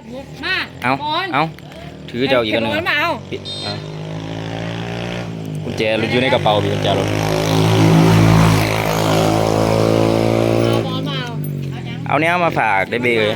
มาเอาถือเจ้าอีกอันนึงมาเอากุญแจอยู่ในกระเป๋าพี่กุญแจรถเอาเนี้ยมาฝากได้เบย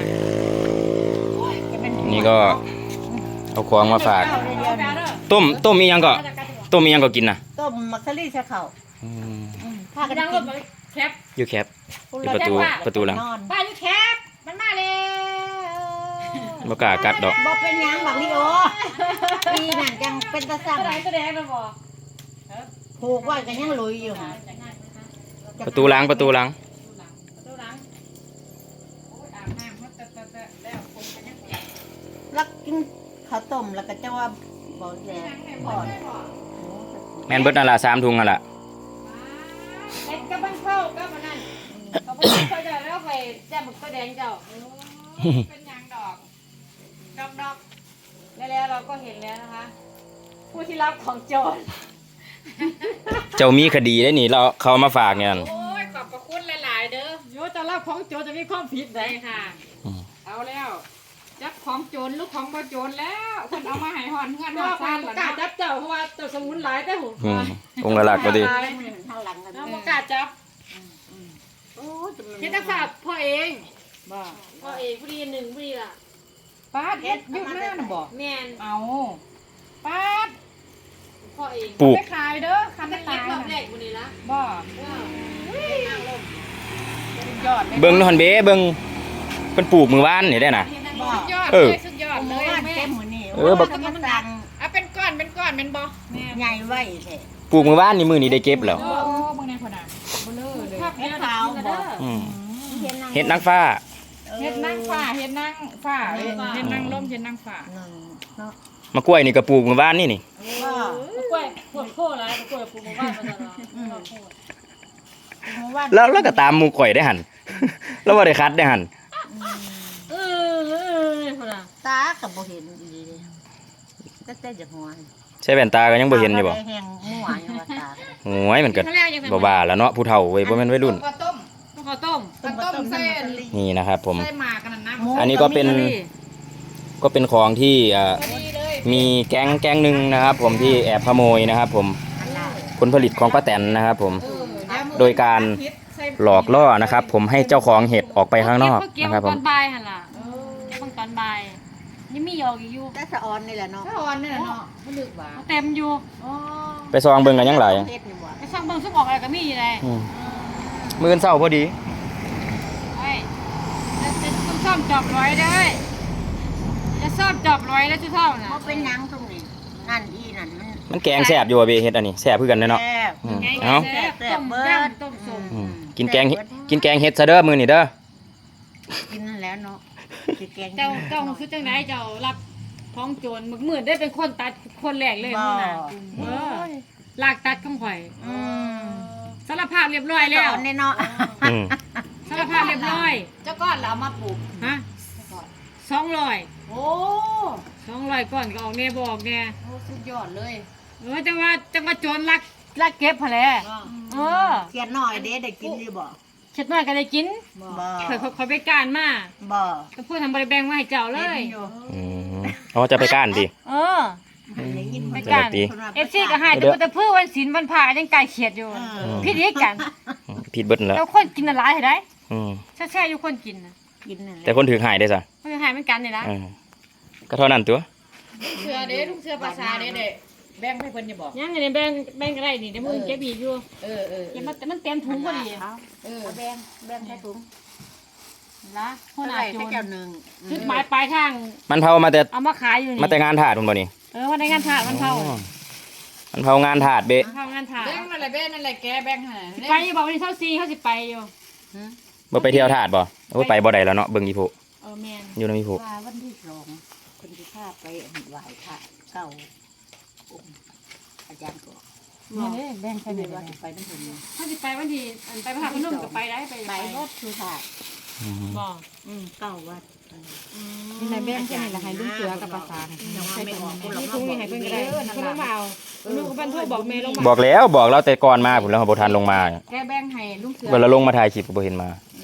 นี่ก็เอาของมาฝากต้มมียังก็กินนะต้มมักซะลี่ใส่ข้าวพากันดังรถแคปอยู่แคปอยู่ประตูหลังป้าอยู่แคปมันมาแล้วบ่กล้ากัดดอกบ่เป็นหยังบักลิโอปีนั่นจังเป็นตาสั่งแสดงแล้วบ่ผูกไว้ก็ยังลุยอยู่ประตูหลังรักกินข้าวต้มแล้วก็จะว่าบ่แซ่บพอดแม่นเบิดนั่นล่ะ3ถุงนั่นล่ะเอ็ดกับบ้านเข้ากับมันนั่นเขาบ่เคยได้แล้วไปแจ่มก็แดงเจ้าเป็นหยังดอกแล้วเราก็เห็นแล้วนะคะผู้ที่รับของโจรเจ้ามีคดีได้นี่เขามาฝากเนี่ยโอ้ยขอบพระคุณหลายๆเด้อโยจะรับของโจรจะมีความผิดได้ค่ะเอาแล้วจับของโจรลูกของบ่โจรแล้วคนเอามาให้หอนเงินมาซ่านล่ะนะจับเจ้าเพราะว่าเจ้าสมุนหลายแต่หูคงละหลักก็ดีทางหลังกันเนาะบ่กล้าจับโอ้เฮ็ดศาสตร์พ่อเองบ่พ่อเองผู้ดี1ผู้ดีล่ะป้าเฮ็ดยุคหน้าน่ะบ่แม่นเอาป้าพ่อเองปลูกไปขายเด้อคันได้ขายรอบแรกมื้อนี้ละบ่เบิ่งนอนเบ้เบิ่งเพิ่นปลูกมื้อวานนี่ได้น่ะสุดยอดเลยแม่เต็มมื้อนี้บักมันสั่งเป็นก้อนแม่นบ่ใหญ่ไว้แท้ปลูกมื้อวานนี่มื้อนี้ได้เก็บแล้วโอ้เบิ่งในคนน่ะเบลอเลยเฮ็ดขาวบ่เฮ็ดนางฟ้าเฮ็ดนางฟ้าเฮ็ดนางลมเฮ็ดนางฟ้าเนาะมะกล้วยนี่ก็ปลูกมื้อวานนี่กล้วยปวดโคหลายกล้วยปลูกมื้อวานมาตลอดแล้วก็ตามหมู่ข่อยได้หั่นแล้วบ่ได้คัดได้หั่นพุ่นน่ะตาก็บ่เห็นดีเลยแต่จะหัวใช้แว่นตาก็ยังบ่เห็นอยู่บ่แห้งมั่วอยู่ว่าตาโอ้ยมันก็บ่ว่าแล้วเนาะผู้เฒ่าเว้ยบ่แม่นวัยรุ่นข้าวต้มใส่นี่นะครับผมใส่หมากกันนะอันนี้ก็เป็นของที่มีแก๊งนึงนะครับผมที่แอบขโมยนะครับผมผลผลิตของป้าแตนนะครับผมโดยการหลอกล่อนะครับผมให้เจ้าของเห็ดออกไปข้างนอกนะครับผมตอนบ่ายหั่นล่ะเก็บตอนบ่ายยังมีอยู่แต่สะออนนี่แหละเนาะสะออนนี่แหละเนาะบ่ลึกว่าเต็มอยู่ไปซองเบิ่งกันยังหลายไปซองเบิ่งซุกออกอะไรก็มีอยู่เลยมื้อเช้าพอดีจะซ่อมจอบร้อยได้จะซ่อมจอบร้อยแล้วจะเท่าน่ะบ่เป็นหยังตรงนี้นั่นมันแกงแซ่บอยู่เว้ยเฮ็ดอันนี้แซ่บคือกันเนาะเอ้าต้มเบิดต้มส้มกินแกงเฮ็ดซะเด้อมื้อนี้เด้อกินนั่นแล้วเนาะเจ้าคือจังไดเจ้ารับท้องโจรมื้อได้เป็นคนตัดคนแรกเลยมื้อน่ะลากตัดของข่อยสารภาพเรียบร้อยแล้วเนาะสารภาพเรียบร้อยเจ้าก้อนเราเอามาปลูกฮะ200โอ้200ก้อนก็ออกแน่บ่ออกแน่โอ้สุดยอดเลยจังว่าโจรลักเก็บหั่นแหละเขียนน้อยเด้ได้กินอยู่บ่เขียนน้อยก็ได้กินบ่ค่อยไปก้านมาบ่ก็พูดทำบ่ได้แบ่งมาให้เจ้าเลยอ๋อจะไปก้านดิไปก้าน FC ก็ให้แต่เพื่อวันศีลวันพระยังไก่เขียดอยู่ผิดอีกกันผิดเบิดแล้วแล้วคนกินหลายให้ได้แช่ๆอยู่คนกินแต่คนถือหายได้ซะคนถือหายเหมือนกันนี่ล่ะก็เท่านั้นตัวเสือเด้ลูกเสือภาษาเด้แบ่งให้เพิ่นอย่าบอกยังนี่แบ่งก็ได้นี่เดี๋ยวมึงเก็บอีกอยู่เก็บมาแต่มันเต็มถุงพอดีแบ่งใส่ถุงละหัวหน้าโจรจุดหมายปลายทางมันเผามาแต่เอามาขายอยู่นี่มาแต่งานถาดพุ่นบ่นี่มาแต่งานถาดมันเผางานถาดเบ้เผางานถาดแบ่งนั่นแหละแกแบ่งให้ไปบอกวันนี้24เขาสิไปอยู่บ่ไปเที่ยวถาดบ่โอ้ไปบ่ได้แล้วเนาะเบิ่งอีโพแม่นอยู่นำอีโพวันที่2คนสิพาไปไหว้พระเก่าอาจารย์ก็นี่แบ่งใครไปนำเพิ่นถ้าสิไปวันที่ไปพระพนมก็ไปได้ไปรถคือถาดบ่เก่าวัดนี่นายแบ่งแค่นี้ละให้ลุงเสือกับภาษาให้เพิ่นให้เพิ่นก็ได้เพิ่นลงมาเอาลูกก็เพิ่นโทรบอกแม่ลงมาบอกแล้วแต่ก่อนมาพุ่นแล้วบ่ทันลงมาแกแบ่งให้ลุงเสือเวลาลงมาถ่ายคลิปก็บ่เห็นมา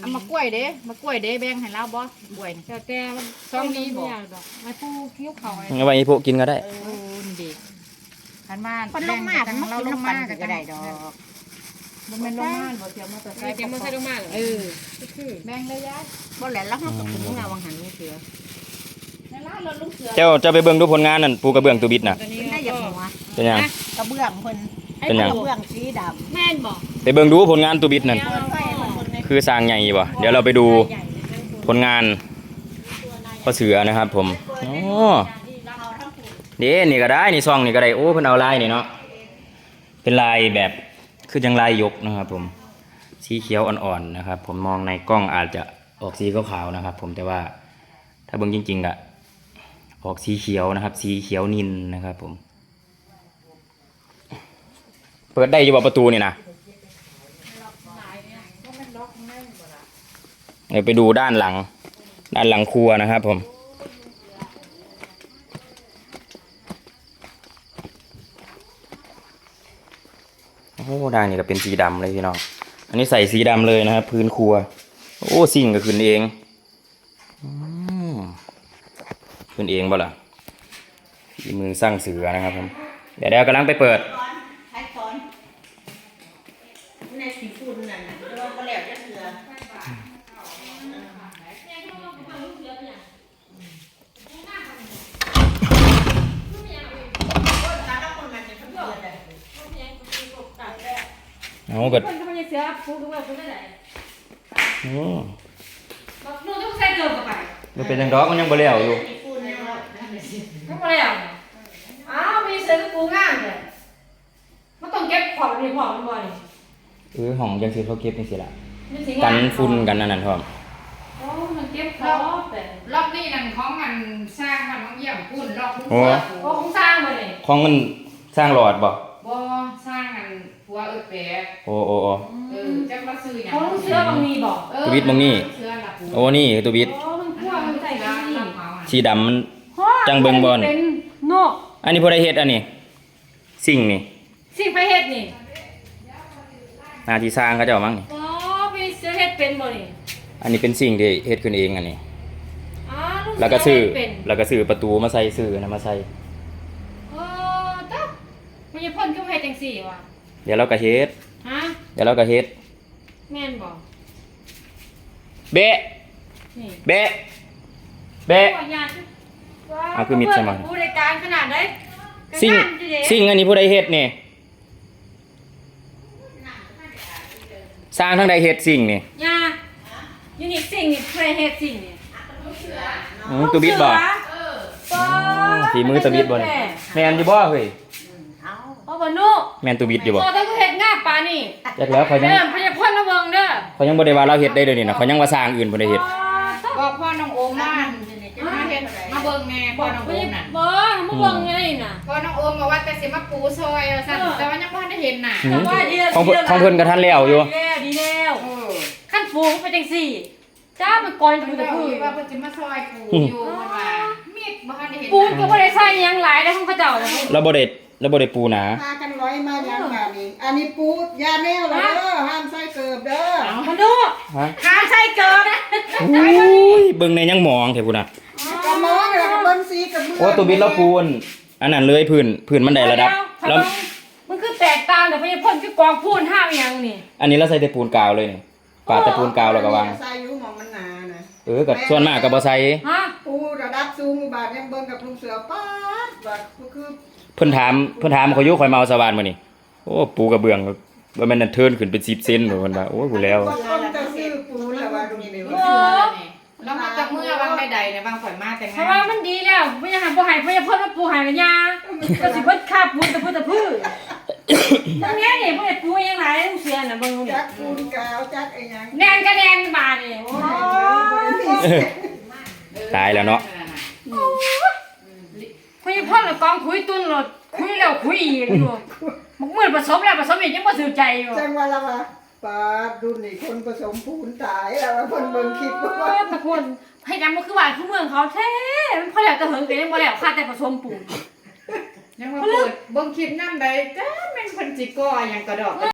เอามากล้วยเด้แบ่งให้เราบ่กล้วยแต่มันซองนี้บ่ดอกไม้ผู้คิ้วเขาไอ้เอาไว้ให้พวกกินก็ได้นี่ดิคันมาคนลงมากันเราลงมาก็ได้ดอกบ่แม่นลงมาบ่เที่ยวมาแต่ไอ้เจ้ามันใส่ลงมาเหรอคือแบ่งเลยยายบ่แหละแล้วเฮาก็ถึงแล้ววังหันนี่เสือในร้านรถลุงเสือเจ้าไปเบิ่งดูผลงานนั่นปูกระเบื้องตูบิดน่ะตอนนี้ได้อย่างหัวเป็นหยังกระเบื้องเพิ่นเป็นหยังกระเบื้องสีดำแม่นบอกไปเบิ่งดูผลงานตูบิดนั่นเปิดไฟให้เพิ่นในคือสร้างใหญ่บ่เดี๋ยวเราไปดูผลงานพ่อเสือนะครับผมอ๋อเด้นี่ก็ได้นี่ซองนี่ก็ได้โอ้เพิ่นเอาลายนี่เนาะเป็นลายแบบคือจังลายยกนะครับผมสีเขียวอ่อนๆนะครับผมมองในกล้องอาจจะออกสีขาวๆนะครับผมแต่ว่าถ้าเบิ่งจริงๆอะออกสีเขียวนะครับสีเขียวนิลนะครับผมเปิดได้อยู่บ่ประตูนี่นะเดี๋ยวไปดูด้านหลังครัวนะครับผมโอ้ด้านนี้ก็เป็นสีดำเลยพี่น้องอันนี้ใส่สีดำเลยนะครับพื้นครัวโอ้สิ่งก็ขึ้นเองขึ้นเองบ่ล่ะฝีมือสร้างเสือนะครับผมเดี๋ยวกำลังไปเปิดใช้ซ้อนในสีฝุ่นนั่นน่ะแต่ว่าบ่แล้วจะเสือเอาเกิดคนเขาไม่เสือผู้ดูว่าผู้ได้ไหนโอ้บอกนู่นต้องใส่เกินไปมันเป็นจังดอกมันยังบ่แล้วอยู่สีฝุ่นเนี่ยว่าทั้งหมดเลยอ่ะอ้าวมีเสือกับปูง่างเลยมันต้องเก็บของในของมันบ่อยห้องจังซี่เขาเก็บจังซี่ล่ะมันสิกันฝุ่นกันนั่นพร้อมโอ้มันเก็บของแต่รอบนี้นั่นของมันสร้างมันต้องเยี่ยมพุ่นรอบพุ่นโอ้โอ้ของสร้างมาเลยของมันสร้างหลอดบ่บ่สร้างอันผัวแปะโอ้จังมาซื้อหยังของเสือบางมีบอกตัวบิดมึงนี่เสื้อละผัวโอ้นี่ตัวบิดโอ้มันขั้วมันใส่ร้ากัน นนี่รับเหมาอะสีดำมัน จังเบิ่งบ่นี่เป็นโนอันนี้ผู้ใดเฮ็ดอันนี้สิ่งนี่สิ่งไปเฮ็ดนี่หน้าที่สร้างเขาเจ้ามั้งนี่อ๋อไปเสือเฮ็ดเป็นบ่นี่อันนี้เป็นสิ่งที่เฮ็ดขึ้นเองอันนี้อ๋อลูกแล้วก็ซื้อเฮ็ดเป็นแล้วก็ซื้อประตูมาใส่ซื้อนะมาใส่เออตะมันจะพ่นขึ้นไปจังสี่ว่ะเดี๋ยวเราก็เฮ็ดฮะเดี๋ยวเราก็เฮ็ดแม่นบอกเบะนี่เบะเบะว่าญาติว้าวเอาคือมิดใช่ไหมผู้ใดการขนาดไหนสิ่งก็งานอยู่เด้สิ่งอันนี้ผู้ใดเฮ็ดนี่สร้างทั้งใดเฮ็ดสิ่งนี่ยาอยู่นี่สิ่งนี่ใครเฮ็ดสิ่งนี่ตัวบิดบ่อ๋อฝีมือตัวบิดบ่นี่แม่นอยู่บ่เฮ้ยเอาเอาบ่นุแม่นตัวบิดอยู่บ่พอถ้ากูเฮ็ดงาปานนี่จักแล้วเขายังเด้อพญาพ่นระเบิงเด้อเขายังบ่ได้ว่าเราเฮ็ดได้เดี๋ยวนี้นะเขายังว่าสร้างอื่นบ่ได้เฮ็ดอ๋อตะก็พ่อน้องโอมมาเฮ็ดมาเบิ่งแม่พ่อน้องพโอญามน่ะบ่มาเบิ่งยังไงน่ะพ่อน้องโอมบอกว่าแต่สิมาปูซอยว่าซั่นแต่ว่ายังบ่ทันได้เห็นน่ะอืมแต่ว่าดีแล้วของเพิ่นก็ทันแล้วอยู่ดีแล้วเออขั้นฟูงไปจังสี่จ้ามันก่อนจะเพิ่พูนดก็จะพูดว่าเพิ่นสิมาซอยปูอยู่เพิ่นว่ามีดบ่ทันได้เห็นปูนก็บ่ได้ใส่หยังหลายได้ของเขาเจ้าเลยเราบ่ได้ปูหนาพากันร้อยมาอย่างแบบนี้ อันนี้ปูยาแนวเหรอเด้อห้ามใส่เกิบเด้อมันดูฮะหาใส่เกินอุ้ยเบิ่งในยังมองแท้พุ่นน่ะกระมองเลยกระเบิ้งซีกระเบื้องโอ้ตัวบิดเราปูนอันนั้นเลยพื้นมันได้ระดับแล้วมันคือแตกต่างแต่พญาพ่นคือกองพูนห้าวอย่างนี่อันนี้เราใส่แต่ปูนกาวเลยนี่ปาดแต่ปูนกาวแล้วก็วางใส่อยู่หมองมันหนานะก็ส่วนมากก็บ่ใส่ฮะปูระดับสูงบาทยังเบิ้งกับลุงเสือป๊าดบาทคือเพิ่นถามเขาอยู่ข่อยมาเอาสว่านมื้อนี้โอ้ปูกระเบื้องว่าแม่นนั่นเทิร์นขึ้นเป็น10เซนบ่เพิ่นว่าโอ้ยผู้แล้วบางคนจะซื้อปูแล้วว่าดูนี่เลยโอ้แล้วมาจากเมื่อวางใดๆเนี่ยบางข่อยมาแต่งเพราะว่ามันดีแล้วพญาหาบ่ให้พญาพ่นมาปูหายกันยาก็สิเพิ่นคาบปูนตะพื้นตะพื้นตรงนี้นี่พญาปูยังหลายต้องเสียน่ะเบิ่งนี่จักปูนกาวจักไอ้หยังแนนก็แนนบาดนี่โอ้ตายแล้วเนาะพญาพ่นน่ะกองคุยตุนรถคุยแล้วคุยอีกอยู่มันเหมือนผสมแล้วผสมอีกยังบ่ถือใจอยู่จังว่าละว่าปาดดูนี่คนผสมปูนตายแล้วว่าเพิ่นเบิ่งคลิปโอ้ว่ายตะคนให้จำมันคือว่าคือเมืองเขาแท้มันพอแล้วแต่เหิงแต่ยังบ่แล้วค่าแต่ผสมปูนยังมาเปิดเบิ่งคลิปนำใดจ้าแม่นเพิ่นสิก่อหยังกระดอก